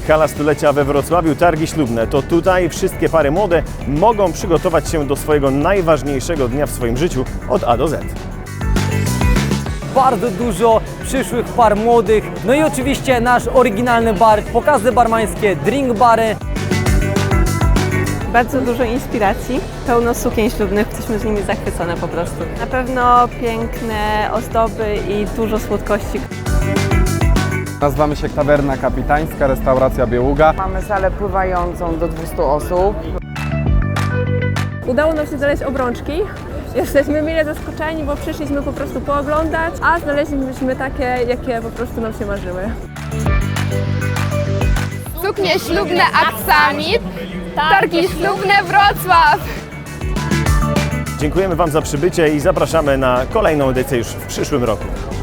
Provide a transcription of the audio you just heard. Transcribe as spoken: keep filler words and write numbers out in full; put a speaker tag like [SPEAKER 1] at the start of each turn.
[SPEAKER 1] Hala Stulecia we Wrocławiu, targi ślubne. To tutaj wszystkie pary młode mogą przygotować się do swojego najważniejszego dnia w swoim życiu od A do Z.
[SPEAKER 2] Bardzo dużo przyszłych par młodych, no i oczywiście nasz oryginalny bar, pokazy barmańskie, drink bary.
[SPEAKER 3] Bardzo dużo inspiracji, pełno sukien ślubnych, jesteśmy z nimi zachwycone po prostu. Na pewno piękne ozdoby i dużo słodkości.
[SPEAKER 4] Nazywamy się Tawerna Kapitańska, restauracja Bieługa.
[SPEAKER 5] Mamy salę pływającą do dwustu osób.
[SPEAKER 6] Udało nam się znaleźć obrączki. Jesteśmy mile zaskoczeni, bo przyszliśmy po prostu pooglądać, a znaleźliśmy takie, jakie po prostu nam się marzyły.
[SPEAKER 7] Suknie ślubne Aksamit, targi ślubne Wrocław.
[SPEAKER 1] Dziękujemy Wam za przybycie i zapraszamy na kolejną edycję już w przyszłym roku.